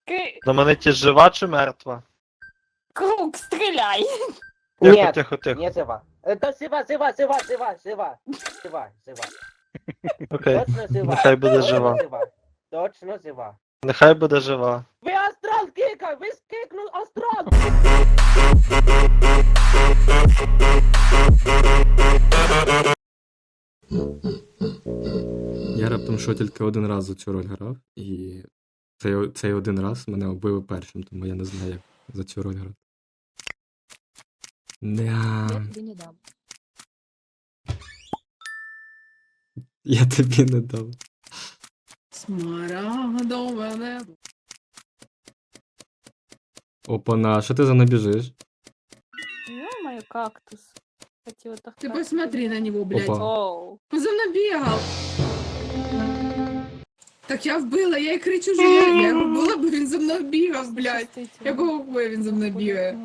Знаменитість жива чи мертва? Круг, стреляй! Тихо, Нет, тихо, тихо. не жива. Это жива. Окей. Точно жива. Нехай буде Точно жива. Точно жива. Нехай буде жива. Ви астрал кика! Ви скикнув астрал! Я раптом що тільки один раз за цю роль грав, і цей один раз мене вбили першим, тому я не знаю, як за цю роль грати. Я тобі не дам. Я тобі не дав. Смарагдове небо. Опана, що ти за мною біжиш? Ё-моё, кактус. Хотела так. Ты посмотри на него, блядь. Опа. Оу. Он за мной бегал. Так я вбила, я і кричу, що я його вбила, бо він за мною бігав, блядь. Якого хуя він за мною бігає?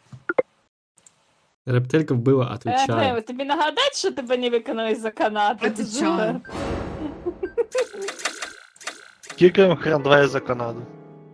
Рептилька вбила, отвечаю. Андрею, тобі нагадать, що тебе не виконали за Канаду? Отвечаю. Кікаємо хрен 2 за Канаду.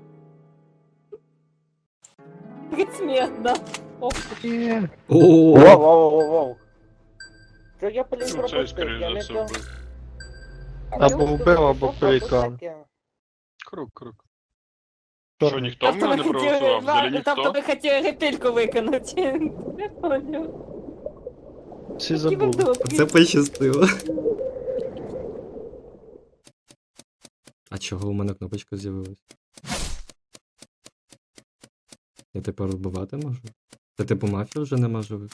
Предсмертно. Ох, О, Воу. Що я, блін, Ну, це, пропустив? скоріш Я за не все, то. вбив. Або вбив, або пелікан. Круг. Що, ніхто в тобто мене не проголосував? Взагалі тобто ніхто? ви хотіли ретельку виконати. Не понял. Всі Які ви забули. добрі. це пощастило. А чого у мене кнопочка з'явилась? Я тепер вбивати можу? Це типу мафія вже нема живих?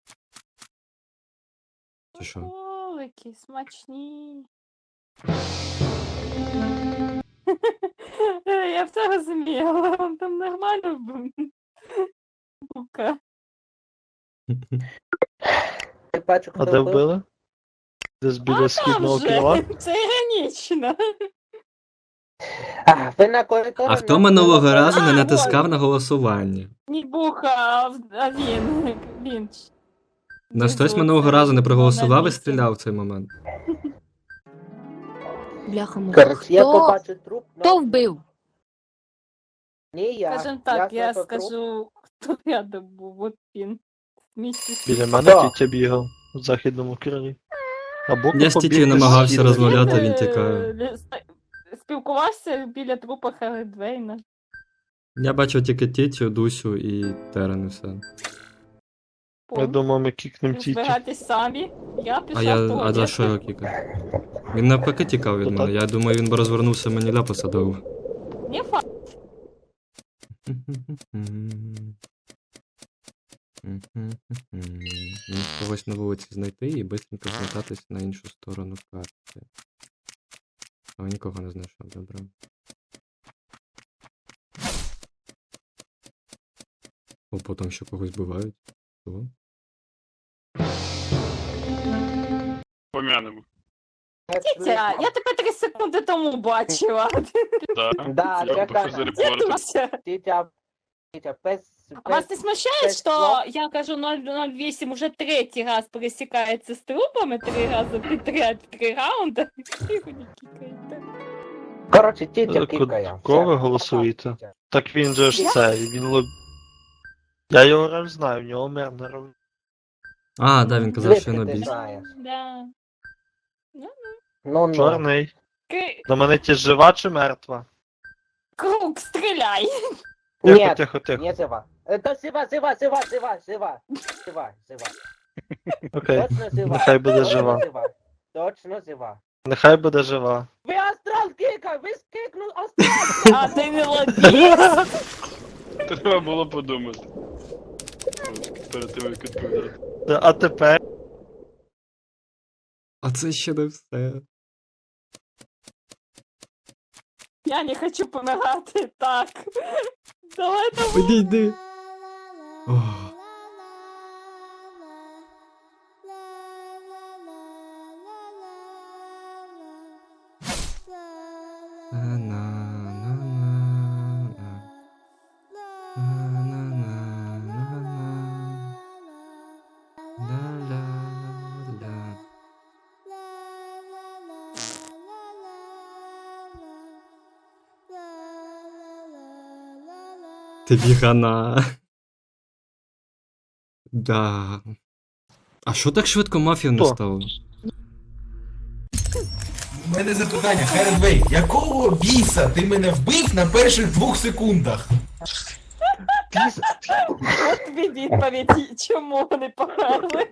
Чи що? Смаколики смачні. Я все розуміла, вам там нормально бука. Ти бачу, А хто де вбив? вбили? Десь біля східного крила? Це іронічно. Ви на коридорі... А хто минулого разу не натискав на голосування? Не буха, а він. Він. На хтось минулого разу не проголосував і стріляв в цей момент. Бляха муха. Короче, я побачу труп, но... Хто вбив? Не я. Скажем так, я знайшов труп. скажу, хто рядом був, от він. Вместе з Біля мене Хто? Тітя бігав в західному крилі. Або Я з побіг Тітєю десь намагався східним. розмовляти, він тікає. Спілкувався біля трупа Хелі Двейна. Я бачив тільки Тітю, Дусю і Терен і все. Я думав, ми кікнем Тітю. Збиратись самі. Я пішла А за що його кікав? Він навпаки тікав від мене. Я думаю, він би розвернувся мені ляпа садову. Не факт. Когось на вулиці знайти і бистренько змотатись на іншу сторону карти. А нікого не знайшов, добре. О, потім ще когось бувають. Що? Пом'янемо. Тітя, я тебе 3 секунди тому бачила. Да, Я я пишу за так. репорт. Дідуся. Тітя, без... Вас не смущает, без что слов? я кажу 008 уже 3-й раз пересекается с трупами, 3 раза подряд, 3 раунда? Його не кікаєте. Короче, тітя кікає. Кого ви Все, голосуєте? пока, тітя. Так він же ж Я? цей, він лоб... Я його роль знаю, в нього мер роль. А, да, він казав, що Звідки я ти набіг. знаєш? Да. Ну. Чорний. Знаменитість жива чи мертва? Круг, стреляй! Тихо, Нет, тихо, тихо. не жива. Это жива. Окей. Точно жива. Нехай буде Точно жива. Точно жива. Нехай буде жива. Ви астрал кика! Ви скикнув астрал! А ти не лобіст? Треба було подумати. Перед тим, як відповідати. А тепер? А це ще не все. Я не хочу помирати так. Давай. Підійди. Ох. Ти гана. Да. А що так швидко мафію не Хто? стало? У мене запитання, Херенвей, якого біса ти мене вбив на перших 2 секундах? От тобі відповідь, чому вони померли.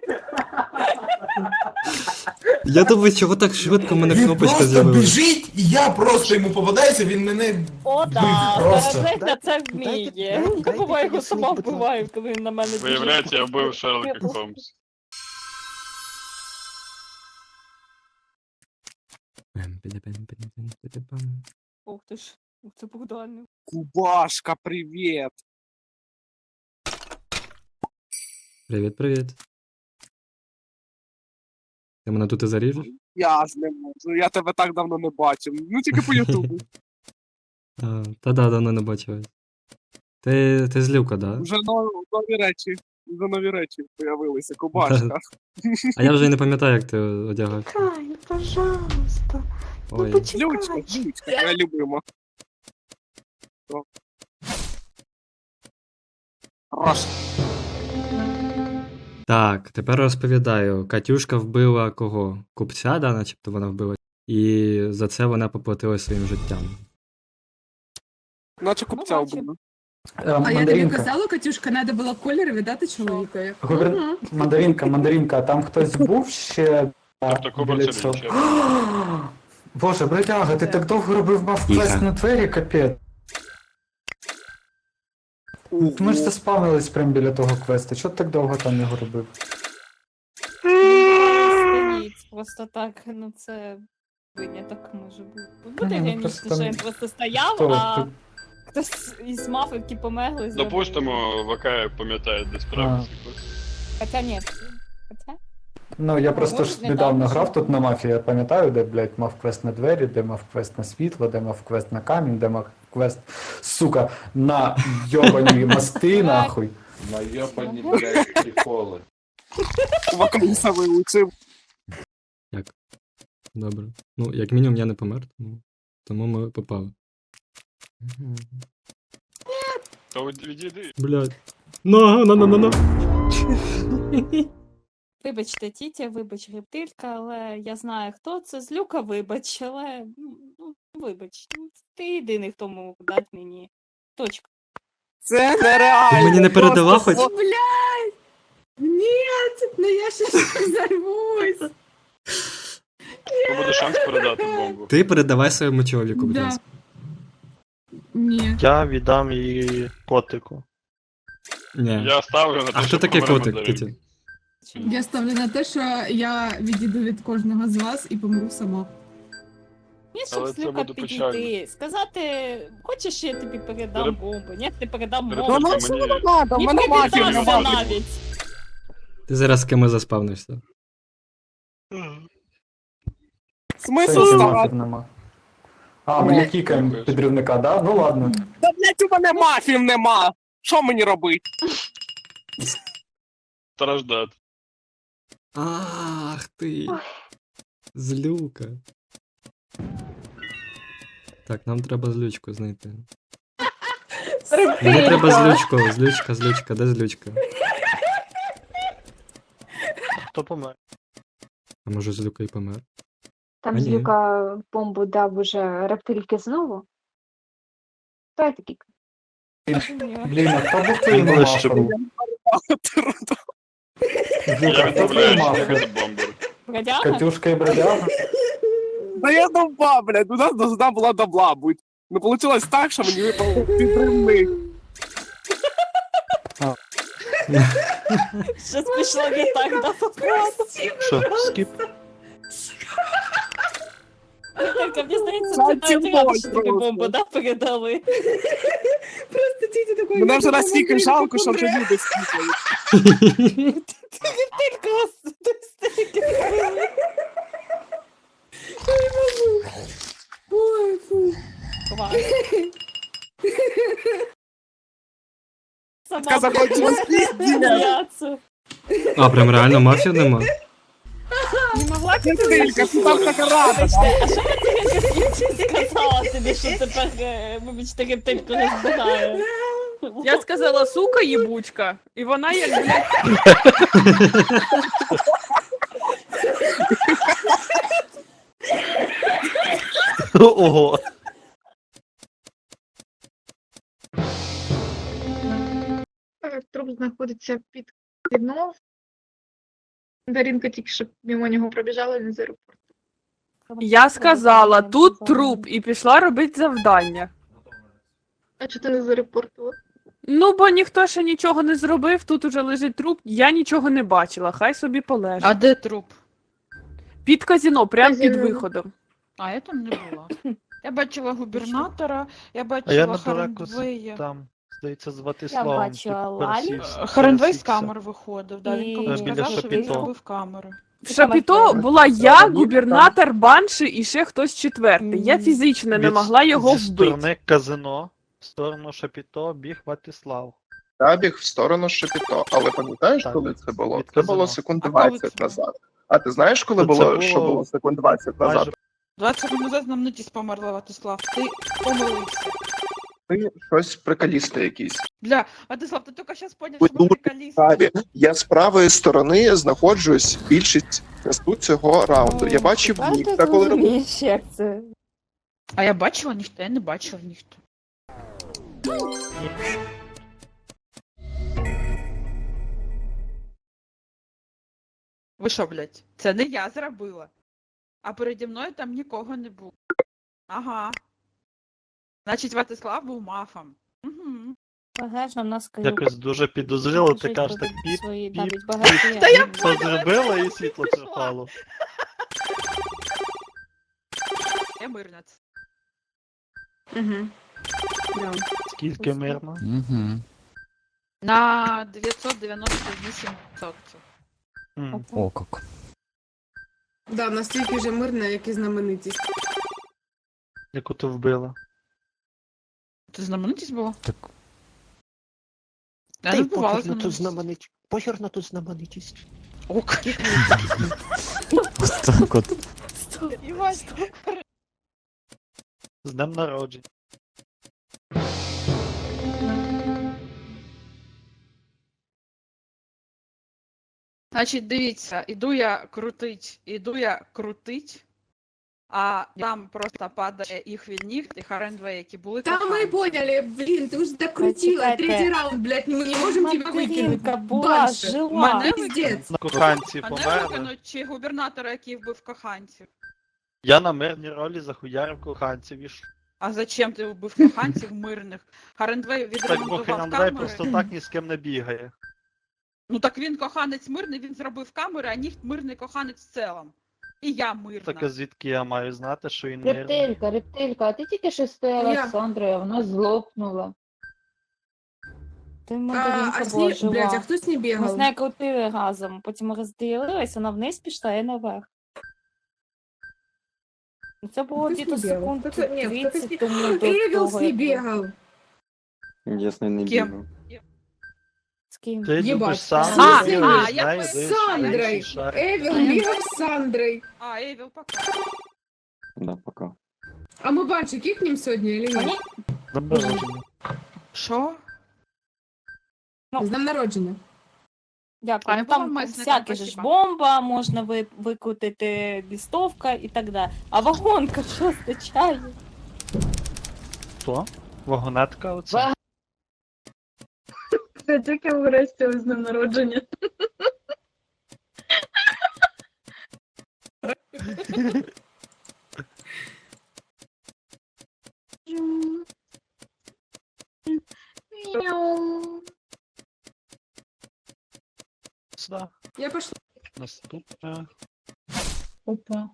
Я думаю, чого так швидко в мене Він кнопочка просто з'явилася. біжить, і я просто йому попадаюся, він мене О, вбив да, просто. Бережня це вміє. Я буває його сама вбиваю, коли він на мене біжить. Виявляється, я вбив Шерлока Холмса. Ух ти ж, це Богдан. Кубашка, привет! Привіт, привіт. Ти мене тут і заріжеш? Я ж не можу, я тебе так давно не бачив. Ну тільки по Ютубу. Та да, давно не бачив. Ти злівка, да? Вже нові речі появилися, кубашка. А я вже й не пам'ятаю, як ти одягав. Кай, пожалуйста. Ой. Лючка, я любима. Хорош. Так, тепер розповідаю. Катюшка вбила кого? Купця, да, начебто вона вбила. І за це вона поплатила своїм життям. Наче купця бачив. вбили. А я тобі казала, Катюшка, треба було колір віддати чоловікові. Мандаринка, а там хтось був ще Тобто Кубер біля це цього? він. Боже, бродяга, ти так довго робив мав квест на двері, капець. Ми ж заспавнились прямо біля того квесту. Чого ти так довго там його робив? Стоїть, просто так, ну це виняток може бути. Буде ну, генічно, просто що там- він просто стояв, Хто? а Ти- хтось із мафики померли. зробив. Допустимо, ВК пам'ятає, де справді цей квест. Хоча ні. Хоча? Ну, я просто може, ж не недавно так, грав що- тут на мафії, я пам'ятаю, де, блядь, мав квест на двері, де мав квест на світло, де мав квест на камінь, де мав квест, сука, на йобані мости, нахуй. Найобані, блядь, приколи. Вакаміса вилучив. Добре. Ну, як мінімум, я не помер, тому ми попали. То відійди. Блядь. На. Вибачте, тітя, вибач, рептилька, але я знаю, хто це. Злюка, вибач, але вибач. Ти єдиний, хто мог дати мені. Точка. Це нереально. Ти мені не передала Просто хоч? Блядь! Нет, ну я ще взорвусь. То буде шанс передати бомбу. Ти передавай своєму чоловіку, будь Да. ласка. Ні. Я віддам її котику. Ні. Я ставлю на те, А хто що таке помре котик, мандарин. Кіті? Я ставлю на те, що я відійду від кожного з вас і помру сама. Ні, щоб Але це Злюка буде підійти. печально. Сказати, хочеш, я тобі передам Перед- бомбу? Ні, ти передам Перед- бомбу. Ну, Ну, що не надо, в Ні, мене ти мафія піддався нема. навіть. Ти зараз з кимось заспавнишся. Смисл Це ставати? мафів нема. А, ми не кікаємо Дякую. підривника, да? Ну ладно. Та, блядь, у мене мафів нема. Що мені робити? Страждати. Ах ти. Злюка. Так, нам треба злючку знайти. Мені треба злючку. Злючка, де злючка? Хто помер? А може злюка і помер? Там А ні. Злюка бомбу дав уже рептильки знову. Хто я такий? Блін, а хто був твоїм Він ближче мафом? був. Злюка, Я хто твоїм відмовляюся мафом? від бомбер. Бродяга? Катюшка і бродяга? Да я довба, блядь, у нас должна була добла бути. Ну, получилось так, що мені випав підривник. Щось пішло не так, да, походу. Що, скіп? Тільки, мені здається, Жаль, ти навіть цим рада, що тобі просто. бомбу, да, передали. Просто тітя такой... Мене вже настільки жалко, що вже люди слухають. Тільки вас стільки зробили. Ой, фу. Клас. Така захотілась пізділя. сміятися. А, прям реально мафів нема? Не могла ти Тільки, ти там така рада. Вибачте, а що я тобі сказала тобі, що тепер, вибачте, рептильку розбирає? Я сказала, сука, їбучка, і вона як, блядь, Ого. Труп знаходиться під кіно. Дарінка тільки що мимо нього пробіжала не з аеропорту. я сказала, тут труп, і пішла робити завдання. А чого ти не з аеропорту? Ну, бо ніхто ще нічого не зробив, тут уже лежить труп, я нічого не бачила, хай собі полежить. А де труп? Під казіно, прямо під Казіно. виходом. А я там не була. Я бачила губернатора, я А я бачила недалеко Харендвея. там, здається, з Ватиславом. бачила Лалі. Харендвей з камер виходив, да, він І- комусь Біля сказав, що він Шапіто. зробив камери. В Шапіто була я, губернатор, банші і ще хтось четвертий. Я фізично не могла його Зі вбити. сторони казино, в сторону Шапіто біг Ватислав. Я біг в сторону Шепіто, але пам'ятаєш, Так. коли це було? Від Це казино. було секунд А коли 20 це? назад. А ти знаєш, коли Це було, було що було секунд 20 назад? Майже 20 секунд назад знаменитість померла, Ватислав. Ти помилився. Ти щось приколісти якийсь. Бля, Ватислав, ти тільки зараз поняв, Ви що ми дуже приколісти. Праві. Я з правої сторони знаходжусь більшість часу цього раунду. Я бачив Віктора, коли робив. як це? А я бачила ніхто, я не бачила ніхто. Ви що, блядь? Це не я зробила. А переді мною там нікого не було. Ага. Значить, Ватислав був мафом. Угу. Багажно в нас якось дуже підозріло, ти кажеш так піп, свої піп, навіть багажі. Та я це зробила і світло Пішла. пропало. Я мирнець. Угу. Скільки мирно? Угу. На 998%. М. О, як. Да, настільки вже мирна, як і знаменитість. Яку ти вбила? Це знаменитість була? Так. Я не вбивала знаменитість. Похер на тут знаменитість. Ок. Ось так от. Івань, З днем народження. Значить, дивіться, іду я крутить, а там просто падає їх від ніг, і Харендвей, які були Та ми коханці. поняли, блін, ти вже докрутила. Чекайте. Третій раунд, блядь, ми не можемо тебе Материнка викинути. була, Банши. жила. Мене Піздець. На коханці Мене померли. викинуть чи губернатора, який вбив коханців. Я на мирній ролі захуярив коханців і ж. А зачем ти вбив коханців мирних? Харендвей Так, бо відремонтував Херандвей камери. просто так ні з ким не бігає. Ну так він коханець мирний, він зробив камери, а ніхт мирний коханець в цілому. І я мирна. Так а звідки я маю знати, що він мирний? Рептилька, а ти тільки що стояла Я. з Сандрою, а вона злопнула. Ти А материнка з була ній, блядь, а жива. хто з ній Ми з бігав? нею крутили разом, потім розділились, вона вниз пішла, я наверх. Ну, це було Хтось діто не бігав. секунд Хто- ні, 30 хтось тому до Евіл з того, ній як було. бігав. Ясно, не Ким? бігав. З ким? Ти Єбать. любиш сам, А, ти а, я знаєш, поняла. де З Сандрою. інший шар. Евіл бігав з Сандрою. А, Евіл, пока. Да, пока. А ми бачимо, кікнем сьогодні, чи ні? Ні? З днем народження. Що? З днем народження. Дякую. А я Ну, там була месником, всяке ж спасибо. бомба, можна викрутити лістовка і так далі. А вагонка що означає? Хто? Вагонетка оце? Це тільки врешті з днем народження. Сюда. Я пішла. Наступне. Опа.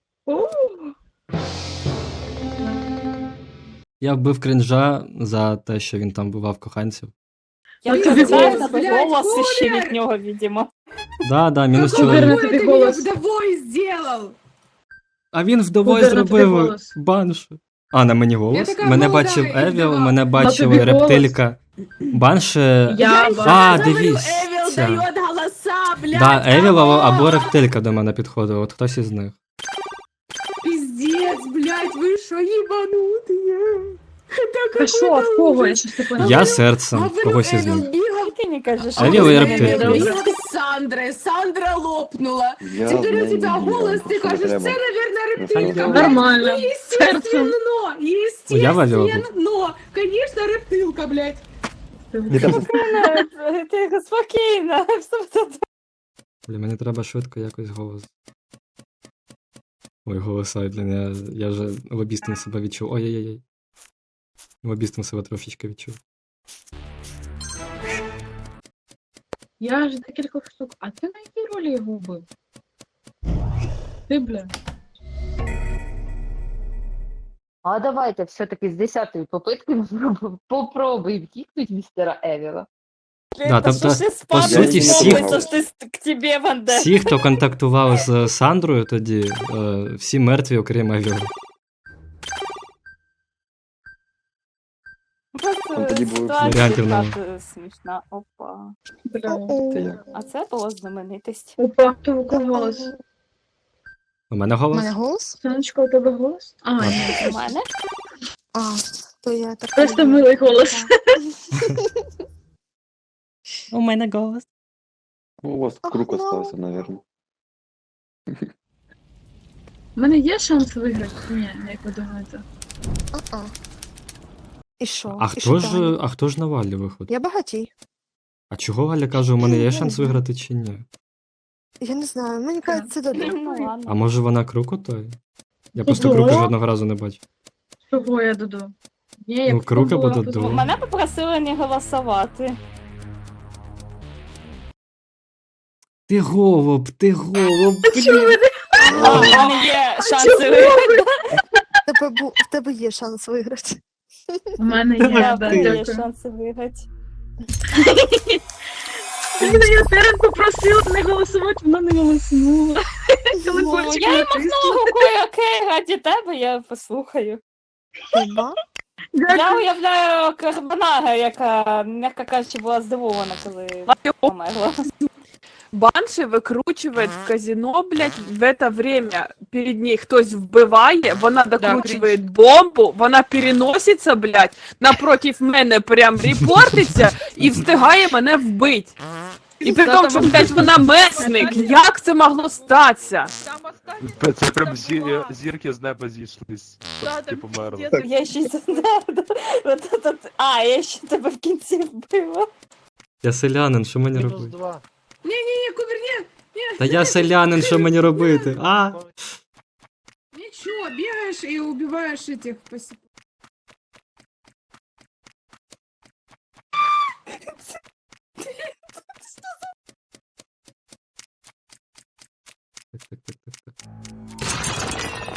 Я вбив крінжа за те, що він там бував коханців. Я Блін, пам'ятаю блядь, тебе голос ще Коля! від нього, відомо. Да, мінус Какой чоловік. ты меня вдовой сделал? А він вдовою зробив баншу. А, на мені голос. така Мене молода бачив і Евіл, вдова. мене бачили рептилька. Банши. А, дивіться. голоса, блядь. Да, Евіл або рептилька до мене підходив, от хтось із них. Пиздец, блядь, вы шо ебанутые? Та що, в кого? Я щось не поняла. Я серцем когось із них. Ти не кажеш, Евіл і мене не рептилія. робиш. Сандра, Сандра лопнула. Я Теперь у тебя голос, ты кажешь, це, наверное, рептилка. Нормально. Серцем. Я Вавіла був. Но, конечно, рептилка, блядь. Ти спокійно. Бля, мені треба швидко якось голос. Ой, голоса, блін, я вже лобістом себе відчув. Ой-ой-ой. Лобістом себе трошечки відчув. Я ж декілька штук. А ти на якій ролі його вбив? Ти, бля. А давайте все-таки з 10-ї попитки попробуй втікнути містера Евіла. Да, Та тобто, що ж по спати суті, сподобається, що ти к тебе, Ванде. Всі, хто контактував з Сандрою тоді, всі мертві, окрім Евіла. Там тоді було Варіантів нема. Ситуація смішна. Опа. Це як? А це була знаменитість. Опа, то у кого голос? У мене голос? голос? Сонечко, у тебе голос? А, А. ні. У мене? А, то я так. Просто милий голос. У мене голос. У вас круг остався, наверное. У мене є шанс виграти? Ні, як ви думаєте? І що? А хто ж на Валі виходить? Я багатій. А чого Валя каже, у мене є шанс виграти чи ні? Я не знаю, мені кажеться, це добре. Ну ладно. А може вона Круку той? Я просто Крука жодного разу не бачив. Чого я Дуду? Ні, я Ну, Крука пробувала буде позвонити. Мене попросили не голосувати. Ти голуб, блін. А, в мене є шанси виграти. В тебе є шанс виграти. У мене Да, є, в да, мене є дякую. шанси виграти. Я Терен попросила не голосувати, вона не голоснула. Ну, я їм махнула рукою, окей, раді тебе я послухаю. Хіба? Я уявляю Карбонара, яка, м'яко кажучи, була здивована, коли померла. Банши викручує в казино, блядь, в это время перед ней хтось вбиває, вона докручує бомбу, вона переноситься, блядь, напротив мене прям репортиться і встигає мене вбити. І при тому, що, блядь, вона месник, як це могло статися? Там останні Це прям зірки з неба зійшлись. Ти померла. Я ще й знаю. А, я ще тебе в кінці вбила. Я селянин, що мені Мінус робити? 2. Ні, Куберні, Та я селянин, що мені робити? А? нічого, бігаєш і убиваєш этих посіп. Так.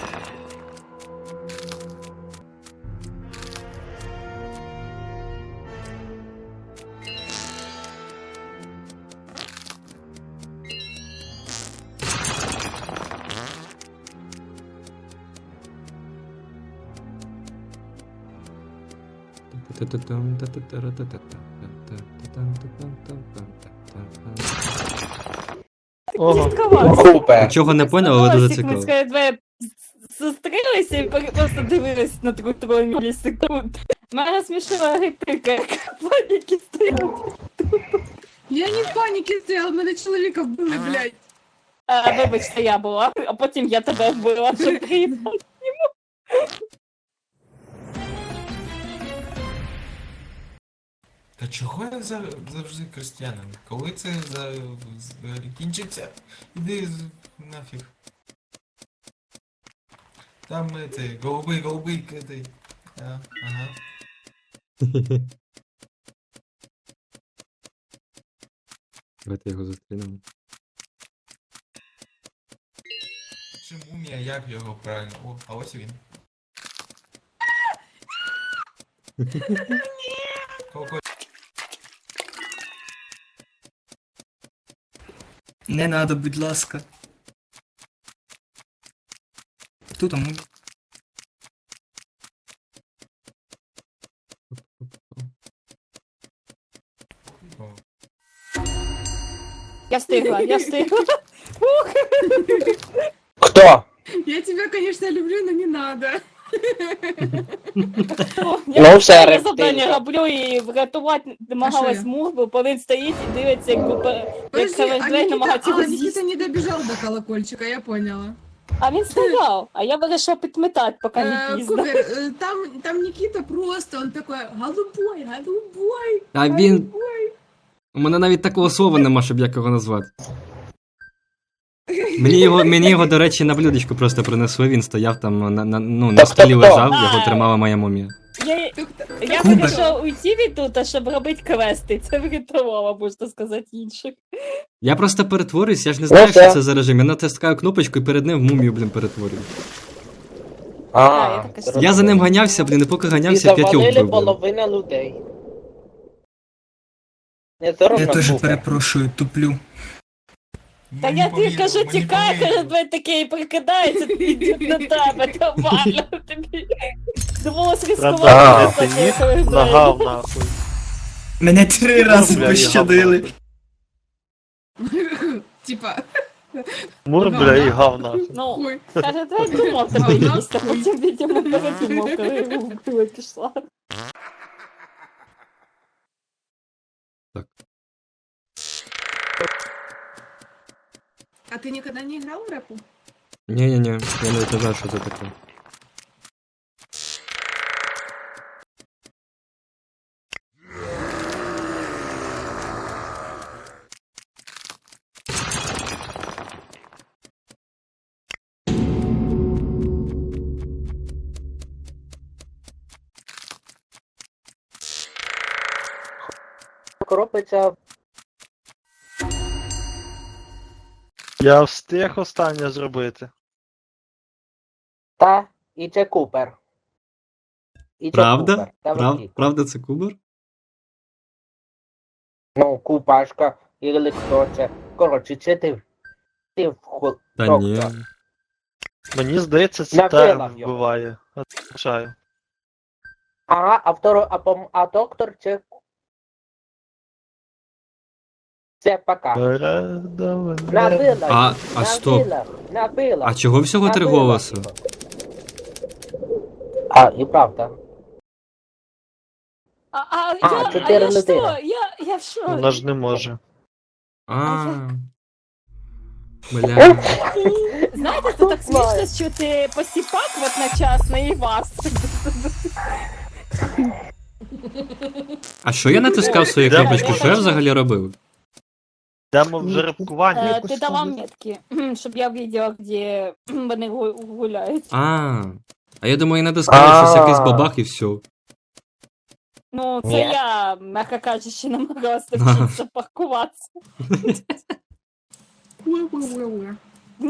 Ого. Нічого не поняв, але дуже цікаво. Ми двоє зустрілися і просто дивились на 3 мілісекунд. Мене смішила репліка, яка паніки стояла. Я не в паніки стояла, мене чоловіка вбили, блядь. Вибачте, я була, а потім я тебе вбила, щоб приїхав. Та чого я завжди крестьянин? Коли це кінчиться, іди нафіг. Там це, голубий, кидай. Ага. Давайте його зустрінемо. Чи мумія, як його правильно? О, а ось він. Не надо, будь ласка. Хто там? Я встигла. Хто? Я тебя, конечно, люблю, но не надо. Я все, останнє рептилька. завдання роблю і врятувати намагалась Мурбу, бо він стоїть і дивиться, як Севенджей намагається його з'їсти. не добежал до колокольчика, я поняла. А він стояв, а я вирішила підметати, поки не пізно. Там Никита просто, он такой, голубой, голубой. А він. У мене навіть такого слова нема, щоб як його назвати. Мені його, до речі, на блюдечку просто принесли, він стояв там на столі лежав, його тримала моя мумія. Я вирішила уйти від тут, щоб робити квести. Це врятувало, можна сказати, інших. Я просто перетворююсь, я ж не знаю, що це за режим. Я натискаю кнопочку і перед ним в мумію, перетворюю. Я за ним ганявся, і поки ганявся, 5 вбив. половина людей. Не Я теж перепрошую, туплю. Та я тобі кажу, тікай, каже, блядь, такий прикидається, йдуть на тебе, нормально. Тобі довелось Треба ризикувати. ти ніг нагав нахуй. Мене 3 рази Бля, пощадили. Типа, Мур, бля, і гав нахуй. Ну, каже, та я думав тебе їсти, а потім, видимо, передумав, коли його вбила пішла. а ты никогда не играл в рэпу? Ні-ні-ні, я навіть не знаю, що це таке. Робиться. Я встиг останнє зробити. Та, і це Купер. І це Правда? Купер. Та водій. Правда це Кубер? Ну, Купашка, і хто це. Коротше, це ти. Ти в Та ні. Мені здається, це Напила терм його. вбиває. Отвечаю. Ага, а доктор це. Це пока. Набила. А стоп. Набила. А чого всього 3 Набила голоси? його. А, і правда. Я 4 що? людини. Я в що? Вона ж не може. Бля. Знаєте, це так смішно, що ти посіпак одночасно і вас. А що я натискав свою кнопочку? Що я взагалі робив? Йдемо в жеребкування. Ти давав метки, щоб я бачила, де вони гуляють. А я думаю, я натискаю щось якийсь бабах і все. Ну, це Ні. я, м'яко кажучи, намагалася навчитися паркуватися. Уэ-уэ-уэ-уэ.